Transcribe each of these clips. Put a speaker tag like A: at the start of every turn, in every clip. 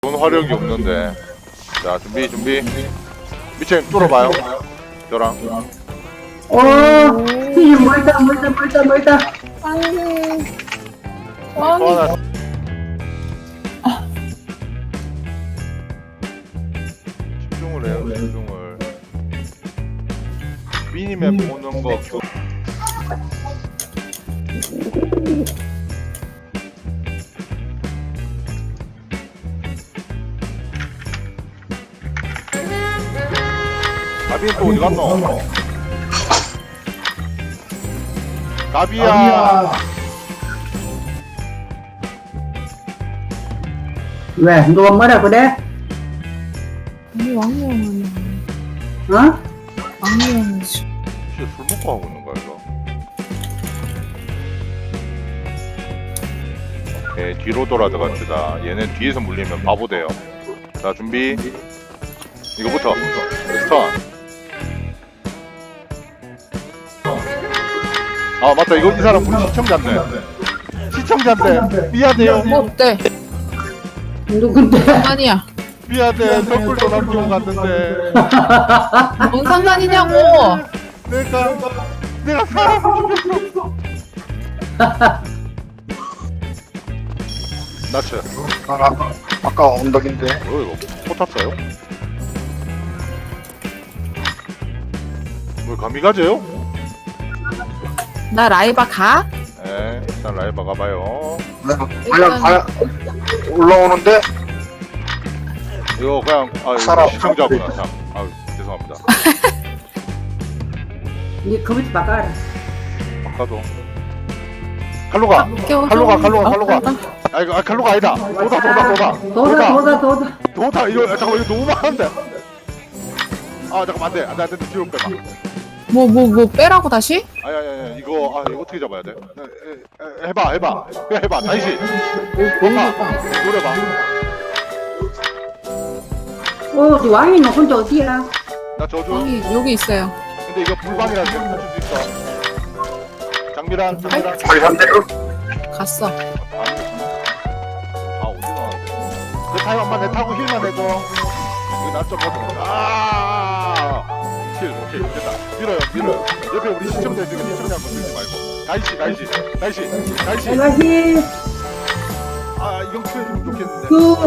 A: 돈 화력이 없는데. 자, 준비. 미친 뚫어봐요. 저랑.
B: 멀다.
C: 아니.
A: 또 하나. 집중을 해요. 집중을. 미니맵 보는 거. 가비는 또 어디 갔노? 가비야.
B: 왜? 누가 뭐라 그래?
C: 아니 왕래형은
B: 어?
C: 왕래형은
A: 진짜 술 먹고 하고 있는 거야 이거? 오케이, 뒤로 돌아 들어갑시다. 얘는 뒤에서 물리면 바보 돼요. 자, 준비. 이거부터 스턴. 아 맞다, 이거 이 사람 우리 시청자인데 미안해요.
C: 뭐 어때?
B: 누군데?
C: 아니야.
A: 미안해, 선물도 남기고 갔는데
C: 뭔 상관이냐고.
A: 내가 사람을 죽였어. 나츠.
D: 아까 언덕인데.
A: 이거 포 탔어요? 뭐 감이가져요?
C: 나 라이바 가?
A: 네, 일단 라이브 가봐요.
D: 그냥 올라오는데.
A: 이거 그냥 이거
D: 사람.
A: 시청자구나 참. 아 죄송합니다.
B: 니 컴퓨터 바꿔라.
A: 아까도 칼로 가. 칼로 가. 아 이거 칼로가 아니다. 도다. 이거 잠깐만, 이거 너무 많은데. 아 잠깐만, 안돼 뒤로 빼봐.
C: 뭐 빼라고 다시?
A: 아니 이거 어떻게 잡아야 돼? 해봐. 그냥 해봐. 다시. 노려봐.
B: 너 왕이 너 혼자 어디야?
A: 나 저주.
C: 여기 있어요.
A: 근데 이거 불방이라 지금 맞출 수 있어. 장미란.
D: 자기 산대로.
C: 갔어.
A: 아 어디 나왔는데? 내 타임만 내 타고 힐만 해줘. 이거 나좀 힐. 오케이 됐다. 밀어요. 옆에 우리 시청자 있으니까 시청자 한번 밀지 말고. 나이시.
B: 내가히
A: 아 이건 키워주면 좋겠는데.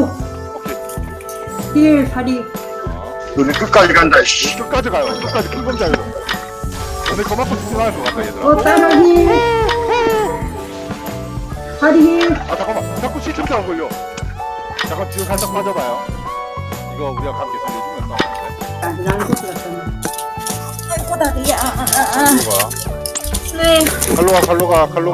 A: 오케이.
B: 힐 사리.
D: 너네 끝까지 간다. 씨.
A: 끝까지 가요. 끝까지 큰 검자요. 오늘 그만큼 집중할 것 같다 얘들아.
B: 따라히 사리 힐.
A: 아 잠깐만, 자꾸 시청자가 걸려. 잠깐 뒤로 살짝 빠져봐요. 이거 우리가 함께 살려주면 싸우는데.
B: 나는 그거 같잖아.
C: 아이고 다리야.
A: 네. 칼로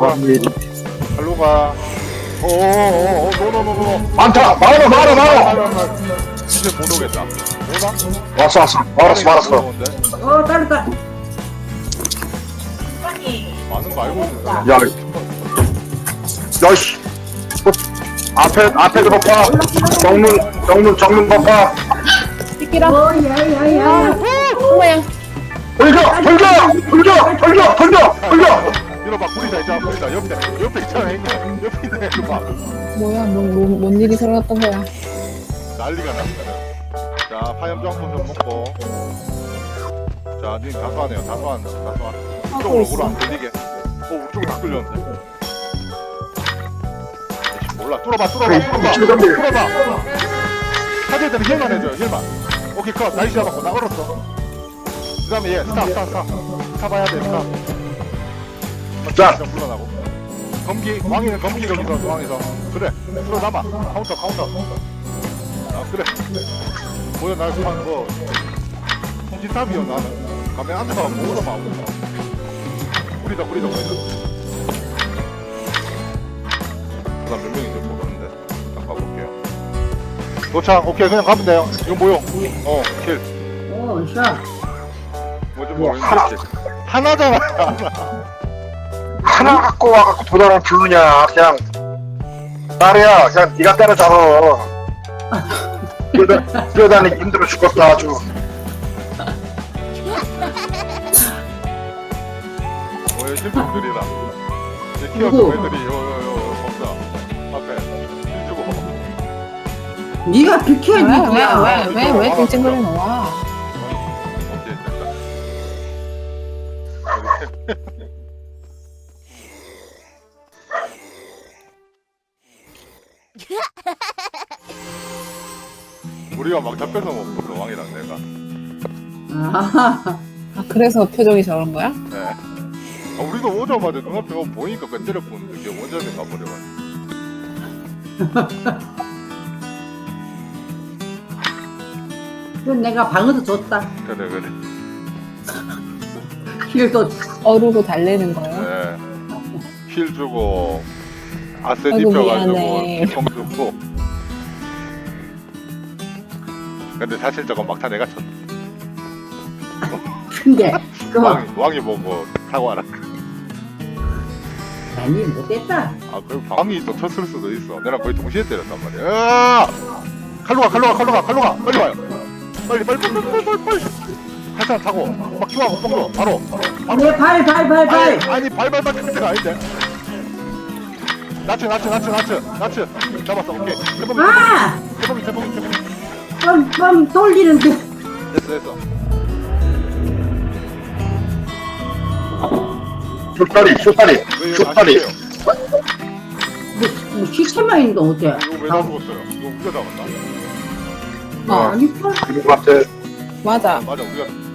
A: 가. 오오오오, 노.
D: 많다. 많아.
A: 이제 못 오겠다. 오나?
D: 왔어. 알았어.
B: 따르다.
A: 많은 거 알고 있는데.
D: 야, 씨. 앞에도 봐봐. 정문 봐봐.
C: 띠끼라.
B: 야야야.
C: 뭐야?
D: 돌려.
A: 밀어봐, 구리다 있잖아, 구리다. 옆에 있잖아, 형님. 옆에 있네, 이거 봐.
C: 뭐야? 뭔 일이 일어났던 거야?
A: 난리가 났어. 자, 파염정 좀 먹고. 자, 님 다소하네요. 다소한. 이쪽으로 안 끌리게. 우쪽으로 다 끌렸는데. 몰라. 뚫어봐. 사실 때는 힐만 해줘요, 힐만. 오케이, 컷. 나이스 잡았고, 나 얼었어. 그 다음에 얘, 스타 봐야 돼,
D: 자.
A: 물러나고. 왕이는 검기 거기서, 왕에서. 그래, 들어남아. 카운터. 아, 그래. 뭐야, 통지탑이요, 나는. 가면 앉아서 뭐로 봐. 우리다. 몇 명이 좀 모르는데. 잠깐 볼게요. 도착. 오케이, 그냥 가면 돼요. 이거 뭐요? 킬.
B: 샷.
A: 뭐좀 모르는데. 하나잖아.
D: 하나 갖고 와갖고 도달을 부르냐. 그냥 말이야. 그냥 네가 때려잡아. 뛰어다니기 힘들어 죽겠다 아주.
A: 실패들이다. 키워서 애들이 요 검사 앞에 힐 주고.
B: 네가 비켜야지. 누구야.
C: 왜 찡찡거려 나와?
A: 오케이 됐다. 우리가 막 잡혀서 먹거든 왕이랑 내가.
B: 아,
C: 아 그래서 표정이 저런 거야?
A: 네. 아, 우리도 오자마자 눈앞에 보니까 그 때려보는데 걔 원자대 가버려가지고.
B: 그럼 내가 방어도 줬다.
A: 그래.
B: 힐도
C: 어르고 달래는 거예요?
A: 네. 힐 주고 아센
C: 아이고,
A: 입혀가지고
C: 미안해.
A: 기성 주고. 근데 사실 저건 막타 내가 쳤.
B: 근데 그거
A: 왕이 보고 사과하라.
B: 아니 못했다.
A: 아, 그 왕이 또 쳤을 수도 있어. 내가 거의 동시에 때렸단 말이야. 으아! 칼로 가. 빨리 와요. 빨리. 칼상 타고 막 키워하고 뻥도 바로.
B: 내 발.
A: 아니 발발 때가 아닌데. 나츠. 잡았어. 오케이.
B: 아,
A: 제봉이.
B: 좀 돌리는데.
A: 됐어.
D: 슛다리
A: 왜 이거 안
D: 슛다리
A: 치세요?
B: 뭐 시체만 있는데 어때?
A: 이거 왜 다 죽었어요? 이거 우리가 잡았나?
C: 어
B: 아니, 뭐.
D: 그리고 같은
C: 맞아.
A: 맞아, 우리가